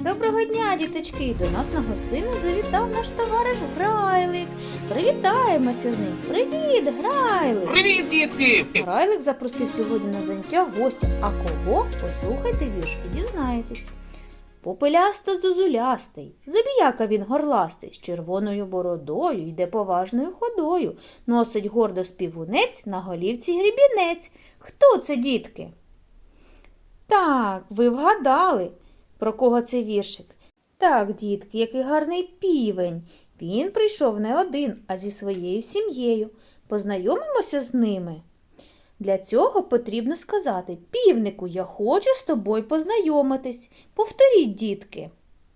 Доброго дня, діточки! До нас на гостину завітав наш товариш Грайлик. Привітаємося з ним. Привіт, Грайлик! Привіт, дітки! Грайлик запросив сьогодні на заняття гостя. А кого? Послухайте вірш і дізнаєтесь. Попелясто-зозулястий, забіяка він горластий, з червоною бородою йде поважною ходою, носить гордо співунець, на голівці грібінець. Хто це, дітки? Так, ви вгадали, про кого це віршик. Так, дітки, який гарний півень. Він прийшов не один, а зі своєю сім'єю. Познайомимося з ними. Для цього потрібно сказати: півнику, я хочу з тобою познайомитись. Повторіть, дітки.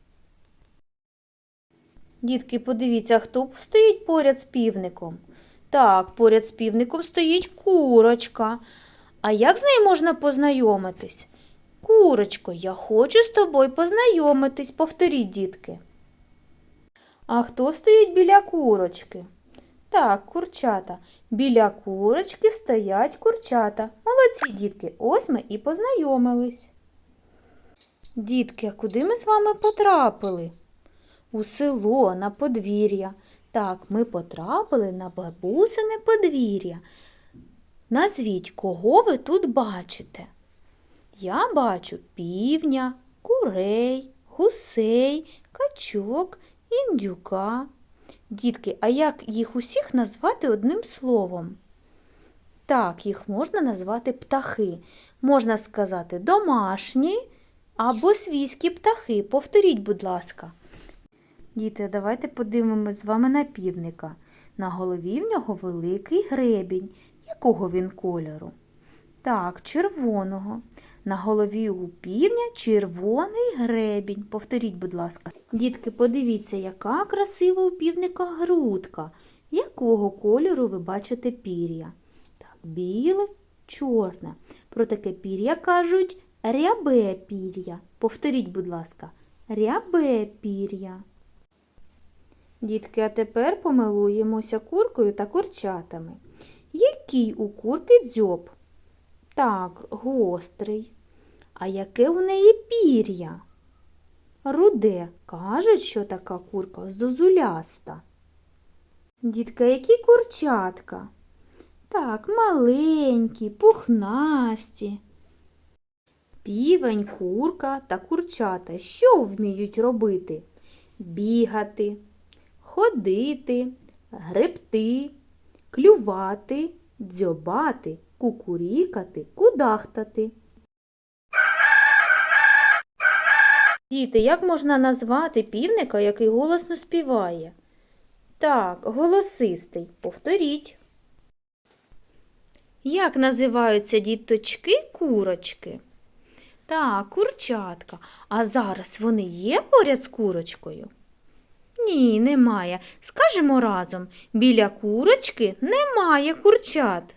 Дітки, подивіться, хто стоїть поряд з півником. Так, поряд з півником стоїть курочка. А як з нею можна познайомитись? Курочко, я хочу з тобою познайомитись. Повторіть, дітки. А хто стоїть біля курочки? Так, курчата. Біля курочки стоять курчата. Молодці, дітки, ось ми і познайомились. Дітки, а куди ми з вами потрапили? У село, на подвір'я. Так, ми потрапили на бабусине подвір'я. Назвіть, кого ви тут бачите? Я бачу півня, курей, гусей, качок, індюка. Дітки, а як їх усіх назвати одним словом? Так, їх можна назвати птахи. Можна сказати домашні або свійські птахи. Повторіть, будь ласка. Діти, давайте подивимось з вами на півника. На голові в нього великий гребінь. Якого він кольору? Так, червоного. На голові у півня червоний гребінь. Повторіть, будь ласка. Дітки, подивіться, яка красива у півника грудка. Якого кольору ви бачите пір'я? Так, біле, чорне. Про таке пір'я кажуть рябе пір'я. Повторіть, будь ласка, рябе пір'я. Дітки, а тепер помилуємося куркою та курчатами. Який у курки дзьоб? Так, гострий. А яке у неї пір'я? Руде. Кажуть, що така курка зозуляста. Дітка, які курчатка? Так, маленькі, пухнасті. Півень, курка та курчата що вміють робити? Бігати, ходити, гребти, клювати, дзьобати, кукурікати, кудахтати. Діти, як можна назвати півника, який голосно співає? Так, голосистий. Повторіть. Як називаються діточки курочки? Так, курчатка. А зараз вони є поряд з курочкою? Ні, немає. Скажемо разом, біля курочки немає курчат.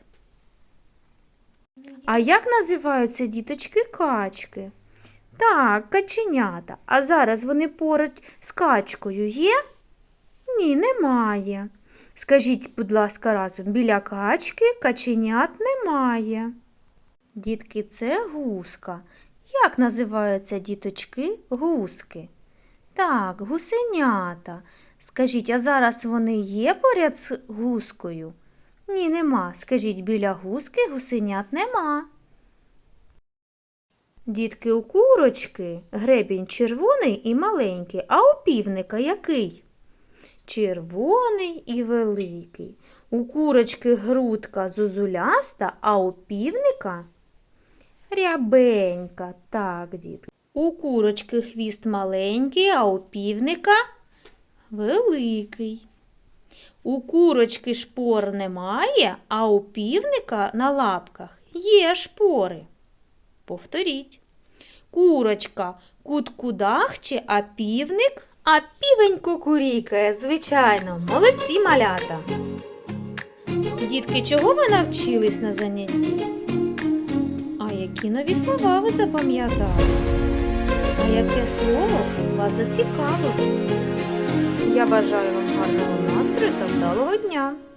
А як називаються діточки качки? Так, каченята. А зараз вони поруч з качкою є? Ні, немає. Скажіть, будь ласка, разом, біля качки каченят немає. Дітки, це гуска. Як називаються діточки гуски? Так, гусенята. Скажіть, а зараз вони є поряд з гускою? Ні, нема. Скажіть, біля гуски гусенят нема. Дітки, у курочки гребінь червоний і маленький, а у півника який? Червоний і великий. У курочки грудка зозуляста, а у півника рябенька. Так, дітки. У курочки хвіст маленький, а у півника великий. У курочки шпор немає, а у півника на лапках є шпори. Повторіть. Курочка куткудахче, а півень кукурікає. Звичайно, молодці, малята. Дітки, чого ви навчились на занятті? А які нові слова ви запам'ятали? А яке слово вас зацікавило? Я бажаю вам гарного настрою та вдалого дня!